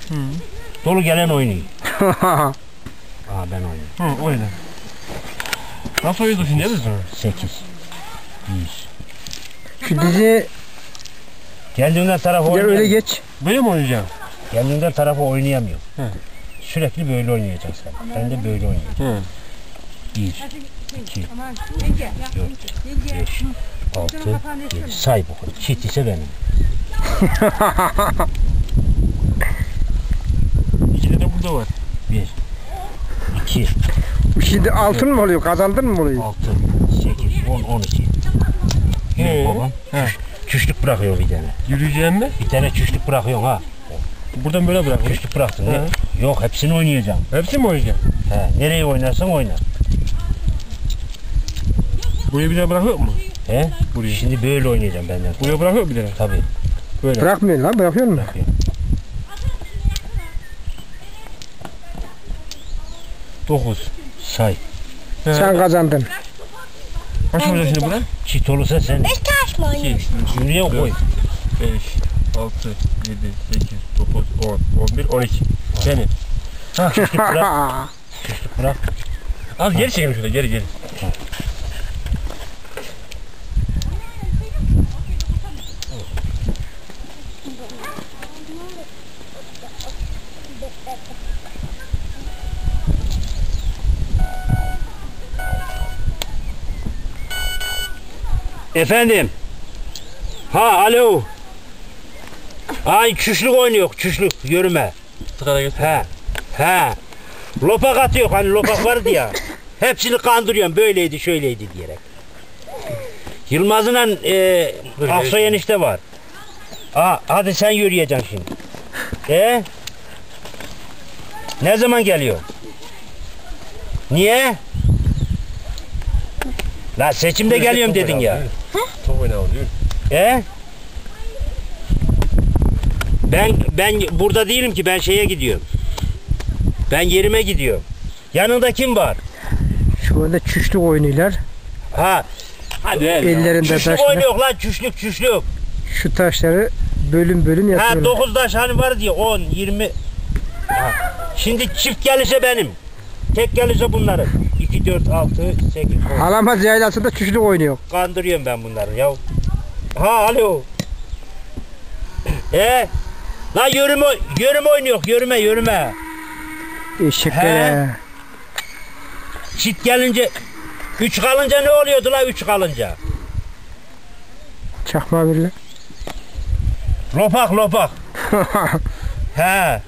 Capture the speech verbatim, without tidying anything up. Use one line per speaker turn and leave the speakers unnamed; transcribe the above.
Hı.
Dolu gelen oynuyor. Aa ben oynuyorum.
Hı, oyna. Nasıl oynuyorsun şimdi değil mi?
sekiz. yüz.
Şu dizi
Kendinden tarafı
ya
oynayamıyor.
öyle geç.
Böyle mi oynayacaksın?
Kendinden tarafı oynayamıyor.
He.
Sürekli böyle oynayacaksın sen. Ben de böyle oynayacağım.
Hı.
bir, iki, dört, beş, altı, yedi. Say bakalım. Çift ise benim.
İkide de burada var.
bir, iki,
Şimdi altın mı oluyor? Kazandın mı oluyor?
altı, sekiz, on, on iki.
He.
Yok babam.
He.
Çüşlük bırakıyor bir tane.
Yürüyeceğim mi?
Bir tane çüşlük bırakıyorsun ha.
Buradan böyle bırakayım.
Çüşlük bıraktın. Ne?
He.
Yok hepsini oynayacağım.
Hepsi mi oynayacaksın?
He. Nereye oynarsan oyna.
Buraya bir daha bırakıyor mu?
He?
Buraya.
Şimdi böyle oynayacağım benden.
Buraya bırakıyor mu bir daha?
Tabii.
Böyle.
Bırakmıyor lan, bırakıyor mu?
dokuz. Say.
He.
Sen kazandın.
Kaç olacak şimdi bura?
Çift olursa sen
Beş taş mı
iki,
oynuyorsun?
üç,
yürüye koy.
beş, altı, yedi, sekiz, dokuz, on, on bir, on iki. Senin.
Çüşlük bırak. Çüşlük bırak.
Az geri çekelim şöyle, geri geri.
Efendim. Ha alo. Ay çüşlük oynuyor. Çüşlük yürüme.
Tıkara götür.
He. He. Lopak atıyor hani lopak vardı ya. Hepsini kandırıyorum böyleydi şöyleydi diyerek. Yılmaz'la e, Aksoy enişte var. Aa, hadi sen yürüyeceksin şimdi. E? Ne zaman geliyor? Niye? La seçimde geliyorum dedin ya.
Top oynayalım diyor.
E? Ben ben burada değilim ki ben şeye gidiyorum. Ben yerime gidiyorum. Yanında kim var?
Şu anda çüşlük oynuyorlar.
Ha. Hadi
Ellerinde
çüşlük
taşlar.
oynuyor lan çüşlük çüşlük.
Şu taşları bölüm bölüm
Ha
yapıyorlar.
dokuz taş hani var diye on yirmi. Ha. Şimdi çift gelirse benim. Tek gelirse bunların. iki dört altı sekiz on.
Alamaz yaylasında çüşlük oynuyor.
Kandırıyorum ben bunları ya. Ha alo. E? La yürüme yürüme oynuyor yürüme yürüme.
Eşeklere.
Çift gelince üç kalınca ne oluyordu la üç kalınca?
Çakma birle.
Lopak lopak. He.